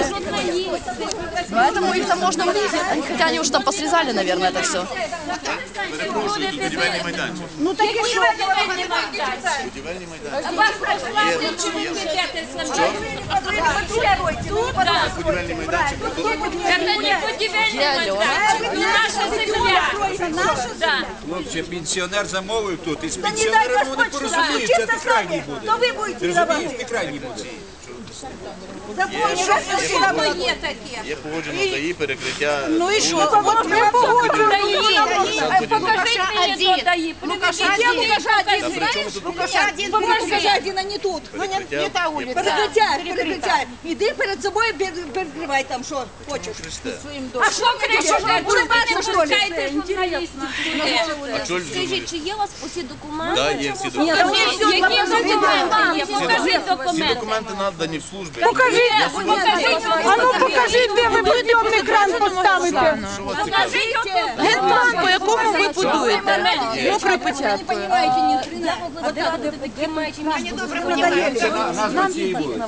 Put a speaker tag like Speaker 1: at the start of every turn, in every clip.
Speaker 1: Поэтому их там можно вырезать. Хотя они уже там посрезали, наверное, это все.
Speaker 2: Перепрошую, тут будівельний майданчик.
Speaker 3: Ну так і що?
Speaker 2: Будівельний майданчик. Будівельний майданчик.
Speaker 4: Это не будівельний майданчик, наша земля.
Speaker 5: Хлопче, пенсіонер замовив тут, і з
Speaker 3: Та не дай
Speaker 5: пенсіонером вони
Speaker 3: Господь
Speaker 5: порозуміються,
Speaker 3: сюди.
Speaker 5: ти крайній буде.
Speaker 3: То ви будете
Speaker 5: Ти розумієш,
Speaker 3: давати.
Speaker 5: ти крайній буде.
Speaker 2: Є погоджено ДАІ, перекриття.
Speaker 3: Ну і що? От ми погоджуємо.
Speaker 4: Покажите мне тот ДАИ.
Speaker 3: Покажи один, а не тут. Перекриття. Іди перед собою, перекривай там, що хочеш.
Speaker 4: А що кричите? Чому ви пускаєте журналістів?
Speaker 2: А чого ж
Speaker 6: Скажіть, чи є у вас усі документи?
Speaker 2: Так, є всі документи.
Speaker 4: Які документи є? Покажіть
Speaker 2: Всі
Speaker 4: документи.
Speaker 2: документи надані в службі.
Speaker 4: Покажіть,
Speaker 3: А ну покажіть, де ви підйомний екран поставите.
Speaker 2: Що вас цікавить?
Speaker 1: Генплан, по якому ви будуєте. Мокрою печаткою.
Speaker 5: Нас на цій вулиці.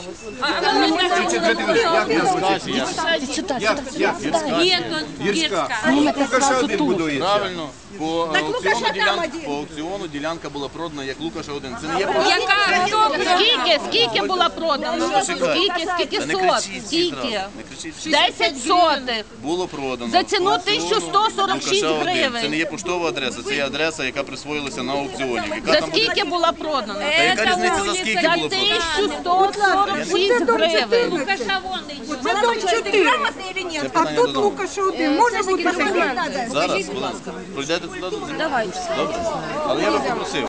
Speaker 5: Гірська. Лукаша один будує.
Speaker 2: Правильно. По аукціону ділянка була продана як Лукаша 1. Це не є
Speaker 4: Яка? Хто?
Speaker 1: Скільки було продано? Скільки
Speaker 2: Та не
Speaker 1: сот?
Speaker 2: кричіть всі зразу.
Speaker 1: Скільки?
Speaker 2: Не кричіть всі.
Speaker 1: 10 сотих.
Speaker 2: Було продано.
Speaker 1: За ціну
Speaker 2: По аукціону
Speaker 1: 1146
Speaker 2: Лукаша 1.
Speaker 1: гривень.
Speaker 2: Це не є поштова адреса, це є адреса, яка присвоїлася на аукціоні. Яка
Speaker 1: За
Speaker 2: там
Speaker 1: скільки було продано?
Speaker 2: Та яка різниця за скільки
Speaker 1: За
Speaker 2: було продано?
Speaker 1: 1146 гривень.
Speaker 4: Лукаша вон йде.
Speaker 3: Це дом 4.
Speaker 2: Це питання додому.
Speaker 3: Лукаша один. Може бути.
Speaker 2: Зараз, будь ласка. Пройдете туди? Давайте. Добре. Але я би попросив.